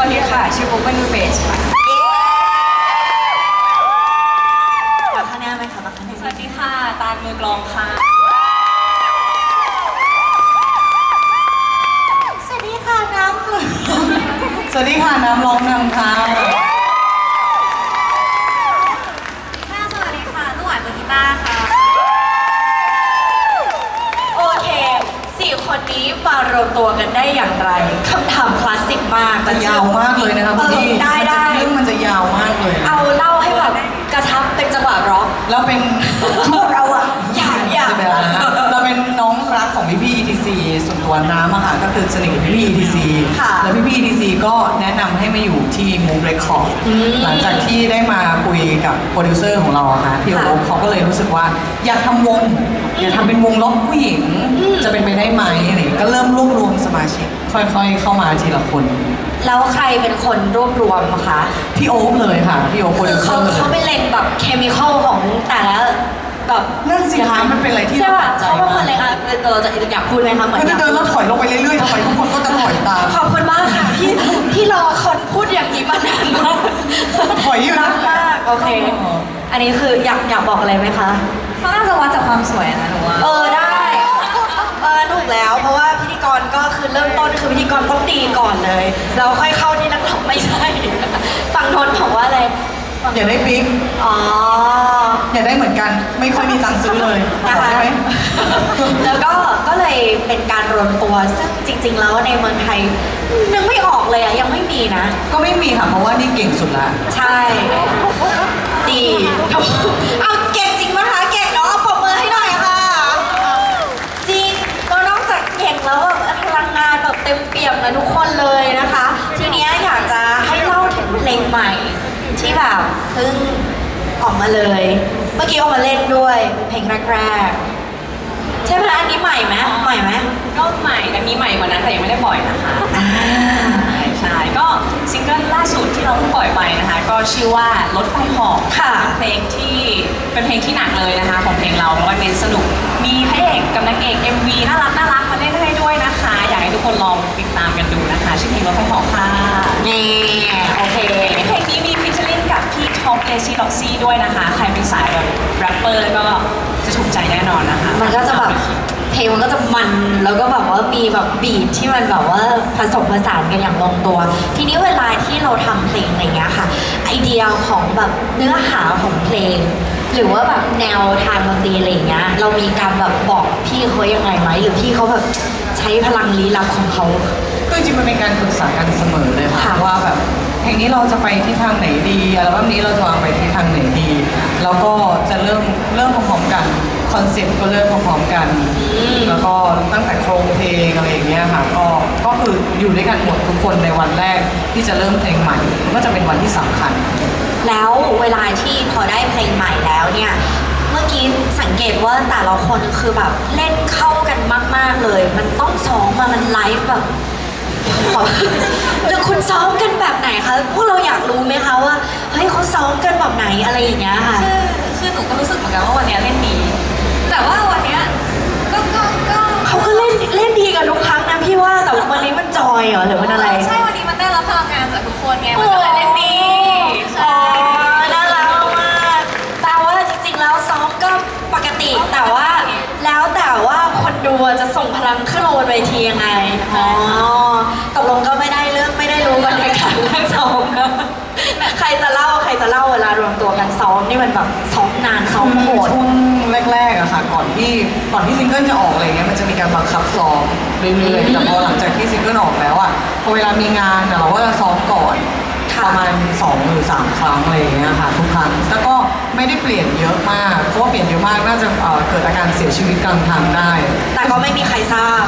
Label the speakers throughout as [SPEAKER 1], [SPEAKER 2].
[SPEAKER 1] วัสดีค่ะชื่อปุ๊กเป็นมือเบสค่ะ
[SPEAKER 2] มาคะแนนไหมคะมาคะแนน
[SPEAKER 1] สวัสดีค่ะตาลมือกลองค่ะ
[SPEAKER 2] สวัสดีค่ะน้ำกลุ่ม
[SPEAKER 3] สวัสดีค่ะน้ำร้องนำค่ะ
[SPEAKER 2] สวัสดีค่ะลูกหวานมือกีตาร์ค่ะโอเค4 คนนี้มารวมตัวกันได้อย่างไรคำถามคลาสสิกมาก
[SPEAKER 3] แต่ยาวมากเลยนะคะคุณพี่
[SPEAKER 2] ได้
[SPEAKER 3] เรื่องมันจะยาวมากเลย
[SPEAKER 2] เอาเล่าให้แบบกระชับเป็นจังหวะร็อก
[SPEAKER 3] แล้วเป็น
[SPEAKER 2] เราอะอยาก
[SPEAKER 3] จะเป็นอะไรนะเราเป็นน้องรักของพี่ ETC ส่วนตัวน้ำอะค่ะก็คือสนิทกับพี่ ETC แล้วพี่ ETC ก็แนะนำให้มาอยู่ที่ Move Record หลังจากที่ได้มาคุยกับโปรดิวเซอร์ของเราอะค่ะพี่โอ๊คเขาก็เลยรู้สึกว่าอยากทำวงอยากทำเป็นวงล็อกผู้หญิงจะเป็นไปได้ไหมอะไรก็เริ่มรวบรวมสมาชิกค่อยๆเข้ามาทีละคน
[SPEAKER 2] แล้วใครเป็นคนรวบรวมอะคะ
[SPEAKER 3] พี่โอ๊คเลยค่ะพี่โอ๊คโปรดิวเซอร์เลย
[SPEAKER 2] เขาไปเล็งแบบเคมีคอลของแต่ละแบบ
[SPEAKER 3] นั่นสิคะมันเป็นอะไรที่
[SPEAKER 2] ใช่ป่ะ
[SPEAKER 3] น่าสนใจ
[SPEAKER 2] เขาเป็นคนเล็งอะเราจะอยากพูดไหมคะเหมือน
[SPEAKER 3] ถ้าจะเดินแล้วถอยลงไปเรื่อยๆทำไมทุกคนก็จะถอยตาม
[SPEAKER 2] ขอบคุณมากค่ะที่รอคนพูดอย่างนี้มานานมาก
[SPEAKER 3] ถอยอยู่
[SPEAKER 2] รั
[SPEAKER 3] นะ
[SPEAKER 2] กมากโอเค อันนี้คืออยากบอกอะไรไหมคะ
[SPEAKER 1] เขาน่าจะวัดจากความสวยนะหนูว่า
[SPEAKER 2] ได้ถูกแล้วเพราะว่าพิธีกรก็คือเริ่มต้นคือพิธีกรต้องดีก่อนเลย เราค่อยเข้าที่นักร้องไม่ใช่ฟังโทนบอกว่าอะไร
[SPEAKER 3] อย่าได้ปิ๊ก
[SPEAKER 2] อ๋อ
[SPEAKER 3] อย่าได้เหมือนกันไม่ค่อยมีตังค์ซื้อเลยข
[SPEAKER 2] นะ
[SPEAKER 3] อ
[SPEAKER 2] คะ
[SPEAKER 3] ได้ไหม
[SPEAKER 2] แล้วก็เลยเป็นการรวมตัวซึ่งจริง ๆ แล้วในเมืองไทยนึกไม่ออกเลยอะยังไม่มีนะ
[SPEAKER 3] ก็ไม่มีค่ะเพราะว่านี่เก่งสุดละ
[SPEAKER 2] ใช่ ดีเอาเก่งจริงมั้ยคะเก่งเนาะปรบมือให้หน่อยค่ะ จริงก็นอกจากเก่งแล้วแบบพลังงานแบบเต็มเปี่ยมเลยทุกคนเลยนะคะ ทีเนี้ยอยากจะให้เล่าถึงเพลงใหม่ที่แบบเพิ่งออกมาเลย เมื่อกี้ออกมาเล่นด้วยเพลงแรกๆใช่ไหมอันนี้ใหม่ไหมใหม่ไหม
[SPEAKER 1] ก็ใหม่แต่มีใหม่กว่านั้นแต่ยังไม่ได้ปล่อยนะคะ
[SPEAKER 2] อ่า
[SPEAKER 1] ใช่ก็ซิงเกิลล่าสุดที่เราเพิ่งปล่อยไปนะคะ ก็ชื่อว่ารถไฟเหอก
[SPEAKER 2] ค่ะ
[SPEAKER 1] เป็นเพลงที่หนักเลยนะคะ ของเพลงเราแล้วก็เน้นสนุกมีพระเอกกับนางเอก MV น่ารักมาเล่นให้ด้วยนะคะ อยากให้ทุกคนลองติดตามกันดูนะคะชื่อเพลงรถไฟเหอกค่ะ
[SPEAKER 2] นี่โอเค
[SPEAKER 1] เพลงนี้มีฟิชเชอร์ลิงกับพี่ท็อปเลซี่ล็อกซี่ด้วยนะคะ ใครเป็นสายแบบแรปเปอร์ก็จะถูกใจแน่นอนนะคะ
[SPEAKER 2] มันก็จะแบบเพลงมันก็จะมันแล้วก็แบบว่ามีแบบบีทที่มันแบบว่าผสมผสานกันอย่างลงตัว ทีนี้เวลาที่เราทำเพลงอะไรเงี้ยค่ะ ไอเดียของแบบเนื้อหาของเพลง หรือว่าแบบแนวทางดนตรีอะไรเงี้ยเรามีการแบบบอกพี่เขายังไงไหมหรือพี่เขาแบบใช้พลังลี้ลับของเขา
[SPEAKER 3] ก็จริงๆมันเป็นการปรึกษากันเสมอเลยค่ะ
[SPEAKER 2] ค่ะ
[SPEAKER 3] ว่าแบบเพลงนี้เราจะไปที่ทางไหนดีอัลบั้มนี้เราจะวางไปที่ทางไหนดี แล้วก็จะเริ่มพร้อมๆกันคอนเซ็ปต์ก็เริ่มพร้อมๆกัน แล้วก็ตั้งแต่โครงเพลงอะไรอย่างเงี้ยค่ะก็คืออยู่ด้วยกันหมดทุกคนในวันแรกที่จะเริ่มเพลงใหม่ก็จะเป็นวันที่สำคัญ
[SPEAKER 2] แล้วเวลาที่พอได้เพลงใหม่แล้วเนี่ย เมื่อกี้สังเกตว่าแต่ละคนคือแบบเล่นเข้ากันมากๆเลย มันต้องซ้อมมามันไลฟ์แบบ หรือคุณซ้อมกันแบบไหนคะ พวกเราอยากรู้ไหมคะว่า เฮ้ยเขาซ้อมกันแบบไหนอะไรอย่างเงี้ยค่ะ
[SPEAKER 1] คือหนูก็รู้สึกเหมือนกันว่าวันเนี้ยเล่นดี แต่ว่าวันเนี้ยก็
[SPEAKER 2] เขาก็เล่นดีกันทุกครั้งนะพี่ว่า แต่ว่าวันนี้มันจอยเหรอหรือมันอะไร
[SPEAKER 1] ใช่วันนี้มันได้รับพลังงานจากทุกคนไงมันก็เลยเล่นดี
[SPEAKER 2] อ๋อน่ารักมากแปลว่าจริงๆแล้วซ้อมก็ปกติ แต่ว่าแล้วแต่ว่าคนดูจะส่งพลังขึ้นมาบนเวทียังไง อ๋อตกลงก็ไม่ได้รู้กันในการเรื่องซ้อมนะใครจะเล่าเวลารวมตัวกันซ้อมนี่มันแบบซ้อมนานซ้อมโหด
[SPEAKER 3] ช่วงแรกๆอะค่ะก่อนที่ซิงเกิลจะออกอะไรเงี้ยมันจะมีการบังคับซ้อมเรื่อยๆแต่พอหลังจากที่ซิงเกิลออกแล้วอะพอเวลามีงานอะเราก็จะซ้อมก่อน
[SPEAKER 2] ค่ะ
[SPEAKER 3] ประมาณ2 หรือ 3 ครั้งอะไรอย่างเงี้ยค่ะทุกครั้งแล้วก็ไม่ได้เปลี่ยนเยอะมากเพราะว่าเปลี่ยนเยอะมากน่าจะเกิดอาการเสียชีวิตกลางทางได้
[SPEAKER 2] แต่ก็ไม่มีใครทราบ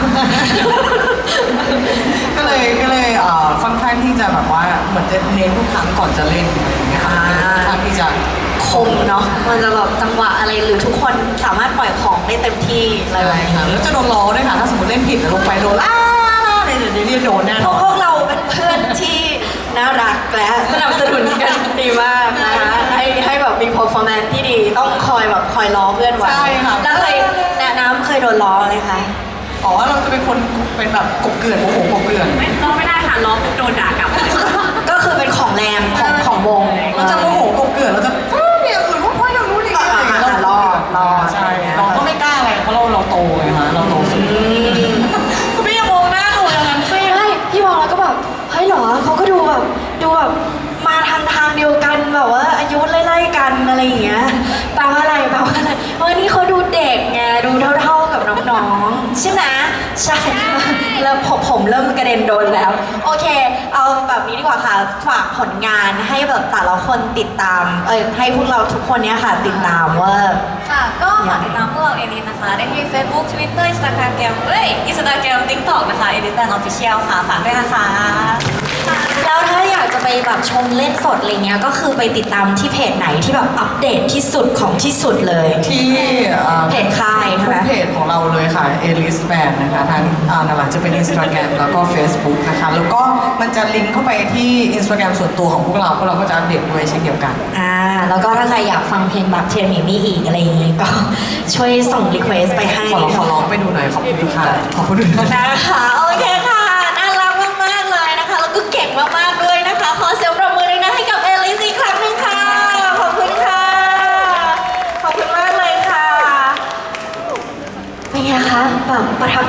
[SPEAKER 3] ก็เลยค่อนข้างที่จะแบบว่าเหมือนจะเน้นทุกครั้งก่อนจะเล่นอะไรอย่างเงี้ยค่ะค่อนข้างที่จะ
[SPEAKER 2] คมเนาะ มันจะแบบจังหวะอะไรหรือทุกคนสามารถปล่อยของได้เต็มที่อะไรแบบ
[SPEAKER 3] ใช่
[SPEAKER 2] นี้
[SPEAKER 3] ค่ะแล้วจะโดนล้อด้วยค่ะถ้าสมมติเล่นผิดแล้วลงไปโดนอะไรเดี๋ยวนี้โดนแน่น
[SPEAKER 2] พ
[SPEAKER 3] อน
[SPEAKER 2] วกเราเป็นเพื่อนที่น่ารักและสนับสนุนกันดีมากนะคะให้แบบมี performance ที่ดีต้องคอยล้อเพื่อนไว้
[SPEAKER 3] ใช่ค่ะ
[SPEAKER 2] แล้วน้ำเคยโดนล้อไหมคะ
[SPEAKER 3] อ๋อเราจะเป็นคนเป็นแบบกบเกลื่อนโอ้โหกบเกลื่อน
[SPEAKER 1] ไม่ร้องไม่ได้ค่ะร้องปุ๊บโดนด่ากลับ
[SPEAKER 2] เหรอเขาก็ดูแบบมาทางเดียวกันแบบว่าอายุไล่ๆกันอะไรอย่างเงี้ยแปลว่าอะไรเพราะว่านี่เขาดูเด็กไงดูเท่ากับน้องๆใช่ไหมใช่แล้วผมเริ่มกระเด็นโดนแล้วโอเคเอาแบบนี้ดีกว่าค่ะฝากผลงานให้แบบแต่ละคนติดตามให้พวกเราทุกคนเนี้ยค่ะติดตามว่า
[SPEAKER 1] ค่ะก็ฝากติดตามพวกเราเอลิสนะคะได้ที่ Facebook Twitter Instagram Instagram TikTok นะคะ Elite Band Official ค่ะฝากด้วยนะคะ
[SPEAKER 2] แล้วถ้าอยากจะไปแบบชมเล่นสดอะไรเงี้ยก็คือไปติดตามที่เพจไหนที่แบบอัปเดตที่สุดของที่สุดเลย
[SPEAKER 3] ที่
[SPEAKER 2] เพจค่ายใช่ไหม
[SPEAKER 3] เพจของเราเลยค่ะ Alice Band นะคะทั้งหลังจะเป็น Instagram แล้วก็ Facebook นะคะแล้วก็มันจะลิงก์เข้าไปที่ Instagram ส่วนตัวของพวกเราก็จะอัปเดตด้วยเช่นเดียวกัน
[SPEAKER 2] แล้วก็ถ้าใครอยากฟังเพลงแบบเทนมีมี่อีกอะไรอย่างงี้ก็ช่วยส่งรีเควสไปให้
[SPEAKER 3] ขอร้องไปดูหน่อยขอบคุณค่ะขอบคุณค่ะ
[SPEAKER 2] นะคะโอเค